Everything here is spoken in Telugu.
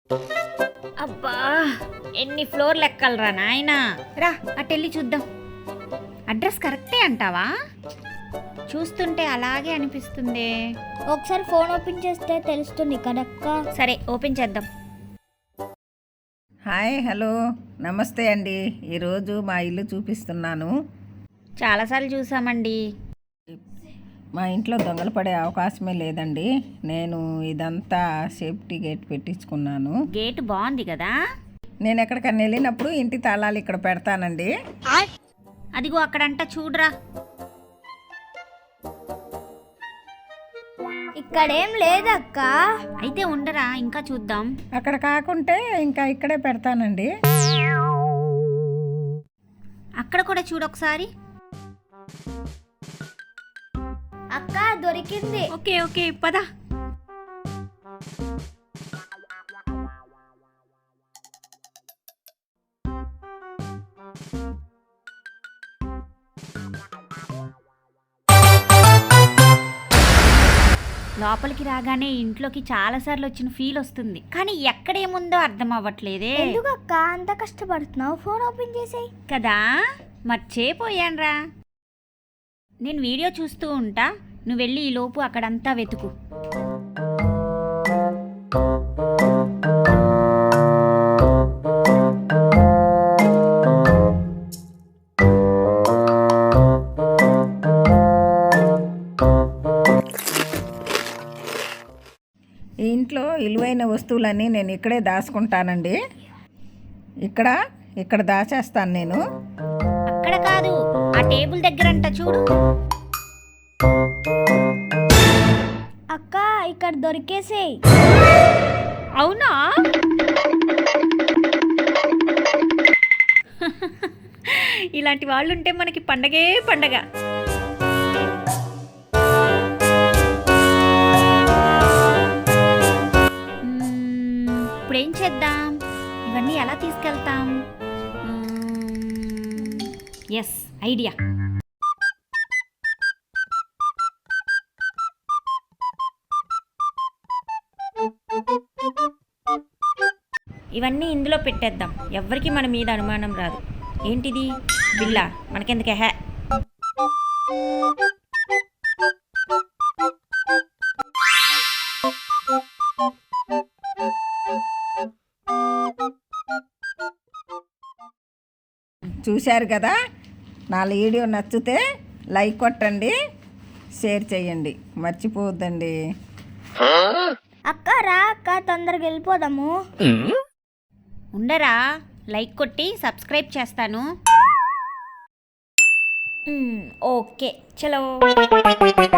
అబ్బా, ఎన్ని ఫ్లోర్లు ఎక్కాలరా నాయనా. రా అటెళ్ళి చూద్దాం. అడ్రస్ కరెక్టే అంటావా? చూస్తుంటే అలాగే అనిపిస్తుంది. ఒకసారి ఫోన్ ఓపెన్ చేస్తే తెలుస్తుంది కదక్క. సరే ఓపెన్ చేద్దాం. హాయ్, హలో, నమస్తే అండి. ఈరోజు మా ఇల్లు చూపిస్తున్నాను. చాలాసార్లు చూసామండి. మా ఇంట్లో దొంగలు పడే అవకాశమే లేదండి. నేను ఇదంతా సేఫ్టీ గేట్ పెట్టించుకున్నాను. గేట్ బాగుంది కదా. నేను ఎక్కడికన్నా వెళ్ళినప్పుడు ఇంటి తాళాలు ఇక్కడ పెడతానండి. అదిగో అక్కడంట చూడరా. ఇక్కడేం లేదక్క. అయితే ఉండరా, ఇంకా చూద్దాం. అక్కడ కాకుంటే ఇంకా ఇక్కడే పెడతానండి. అక్కడ కూడా చూడొకసారి. అక్క దొరికింది. ఓకే ఓకే పద. లోపలికి రాగానే ఇంట్లోకి చాలాసార్లు వచ్చిన ఫీల్ వస్తుంది, కానీ ఎక్కడేముందో అర్థం అవ్వట్లేదే. ఎందుకక్క అంత కష్టపడుతున్నావు? ఫోన్ ఓపెన్ చేసేయ్ కదా, మర్చిపోయాన్రా. నేను వీడియో చూస్తూ ఉంటా, నువ్వు వెళ్ళి ఈ లోపు అక్కడంతా వెతుకు. ఈ ఇంట్లో విలువైన వస్తువులన్నీ నేను ఇక్కడే దాచుకుంటానండి. ఇక్కడ దాచేస్తాను నేను. అక్కడ కాదు, ఆ టేబుల్ దగ్గర అంట చూడు. అక్క ఇక్కడ దొరికేసేయ్. అవునా? ఇలాంటి వాళ్ళు ఉంటే మనకి పండగే పండగ. ఇప్పుడేం చేద్దాం? ఇవన్నీ ఎలా తీసుకెళ్తాం? Yes, idea. ఇవన్నీ ఇందులో పెట్టేద్దాం, ఎవ్వరికి మన మీద అనుమానం రాదు. ఏంటిది? బిల్లా, మనకెందుకే హే. చూశారు కదా, నా వీడియో నచ్చితే లైక్ కొట్టండి, షేర్ చేయండి, మర్చిపోవద్దండి. అక్క రా అక్క, తొందరగా వెళ్ళిపోదాము. ఉండరా, లైక్ కొట్టి సబ్స్క్రైబ్ చేస్తాను. ఓకే చలో.